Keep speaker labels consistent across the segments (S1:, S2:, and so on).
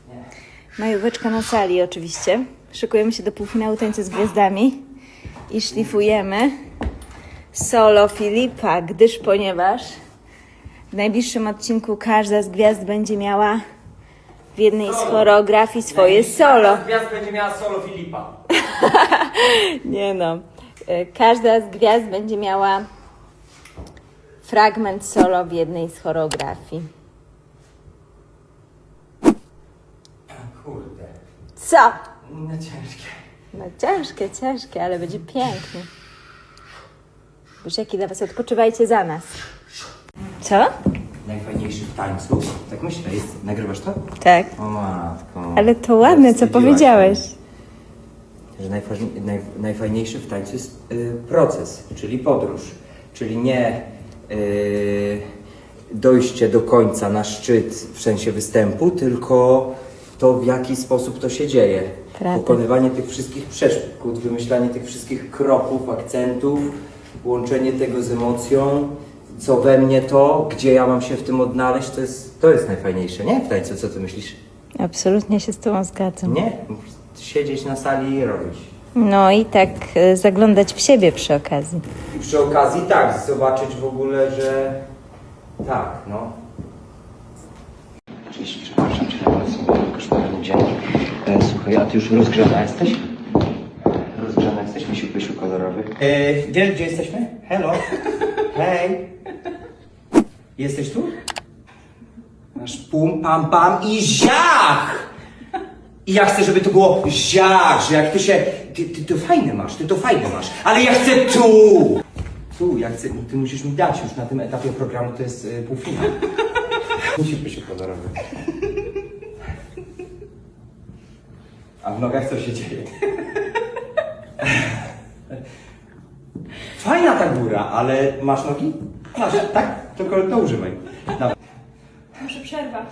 S1: Majóweczka na sali oczywiście. Szykujemy się do półfinału Tańca z Gwiazdami i szlifujemy solo Filipa, ponieważ w najbliższym odcinku każda z gwiazd będzie miała w jednej z choreografii swoje solo.
S2: Każda z gwiazd będzie miała solo Filipa.
S1: Nie no. Każda z gwiazd będzie miała fragment solo w jednej z choreografii.
S2: Kurde.
S1: Co?
S2: No ciężkie.
S1: No ciężkie, ale będzie pięknie. Buziaki dla was, odpoczywajcie za nas. Co?
S2: Najfajniejszy w tańcu. Tak myślę, jest. Nagrywasz to?
S1: Tak.
S2: O matko.
S1: Ale to ładne, co
S2: Wstydziłaś
S1: powiedziałeś.
S2: mnie. Że najfajniejszy w tańcu jest proces, czyli podróż. Czyli nie dojście do końca na szczyt w sensie występu, tylko to, w jaki sposób to się dzieje.
S1: Prawda.
S2: Pokonywanie tych wszystkich przeszkód, wymyślanie tych wszystkich kroków, akcentów, łączenie tego z emocją, co we mnie to, gdzie ja mam się w tym odnaleźć, to jest najfajniejsze, nie? W tańcu, co ty myślisz?
S1: Absolutnie się z tobą zgadzam.
S2: Nie? Siedzieć na sali i robić.
S1: No i tak zaglądać w siebie przy okazji.
S2: I przy okazji tak, zobaczyć w ogóle, że tak, no. Oczywiście, przepraszam cię na koszmarny dzień. Słuchaj, a ty już rozgrzana jesteś? Rozgrzana jesteś, misiu pysiu kolorowy? Wiesz, gdzie jesteśmy? Hello? Hej! Jesteś tu? Masz pum, pam, pam i ziach! I ja chcę, żeby to było ziach, że jak ty się... Ty to fajne masz, ale ja chcę tu! Tu, ja chcę, ty musisz mi dać już na tym etapie programu, to jest półfinał. Misiu pysiu kolorowy. A w nogach co się dzieje? Fajna ta góra, ale masz nogi? Masz, tak? Tylko to używaj. Dawaj.
S3: Muszę przerwać.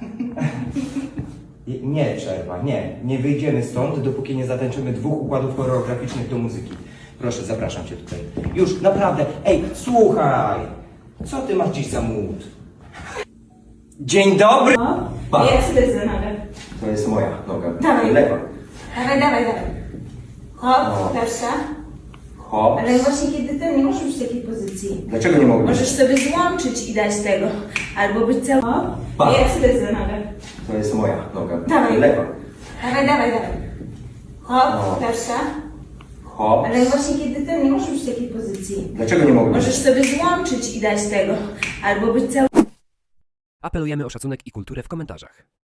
S2: Nie przerwa, nie. Nie wyjdziemy stąd, dopóki nie zatańczymy 2 układów choreograficznych do muzyki. Proszę, zapraszam cię tutaj. Już, naprawdę. Ej, słuchaj. Co ty masz dziś za mód? Dzień dobry! Pa.
S3: Jak sobie za nogę?
S2: To jest moja noga.
S3: Dawaj.
S2: Lewa.
S3: Dawaj. Hop,
S2: No.
S3: pierwsza.
S2: Hop.
S3: Ale właśnie kiedy ty nie możesz być w takiej pozycji.
S2: Dlaczego nie mogę?
S3: Możesz sobie złączyć i dać tego. Albo być cały... Hop,
S2: Pa.
S3: jak sobie za nogę?
S2: To jest moja noga.
S3: Dawaj.
S2: Lewa.
S3: Dawaj. Hop,
S2: No.
S3: pierwsza.
S2: Hop.
S3: Ale właśnie kiedy ty nie możesz być w takiej pozycji.
S2: Dlaczego nie mogę?
S3: Możesz sobie złączyć i dać tego. Albo być cały...
S4: Apelujemy o szacunek i kulturę w komentarzach.